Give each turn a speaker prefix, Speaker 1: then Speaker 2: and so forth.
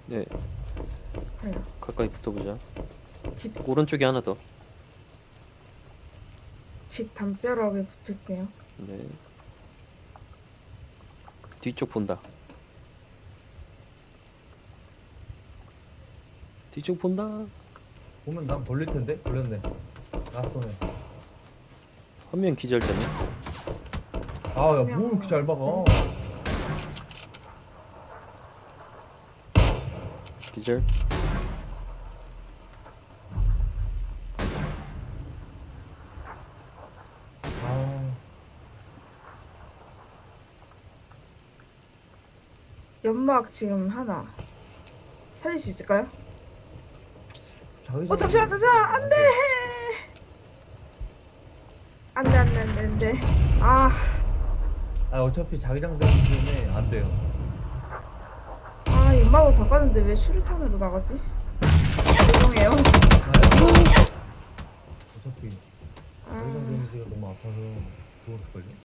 Speaker 1: 네,
Speaker 2: 네.
Speaker 1: 가까이 붙어보자.
Speaker 2: 집,
Speaker 1: 오른쪽에 하나 더.
Speaker 2: 집 담벼락에 붙을게요.
Speaker 1: 네. 뒤쪽 본다. 뒤쪽 본다.
Speaker 3: 보면 난 벌릴 텐데? 걸렸네. 낯서네.
Speaker 1: 한 명 기절되네.
Speaker 3: 아, 야, 뭐 이렇게 잘 박아.
Speaker 1: 기절.
Speaker 3: 아,
Speaker 2: 연막 지금 하나. 살릴 수 있을까요?
Speaker 3: 자기장.
Speaker 2: 잠시만, 안 돼! 안 돼, 안 돼, 안 돼, 안 돼. 아,
Speaker 3: 아, 어차피 자기장 되기 때문에 안 돼요.
Speaker 2: 연막을 바꿨는데 왜 슈루탄으로 나가지? 죄송해요.
Speaker 3: 어차피
Speaker 2: 아.
Speaker 3: 자기장 데미지가 너무 아파서 죽었을걸요?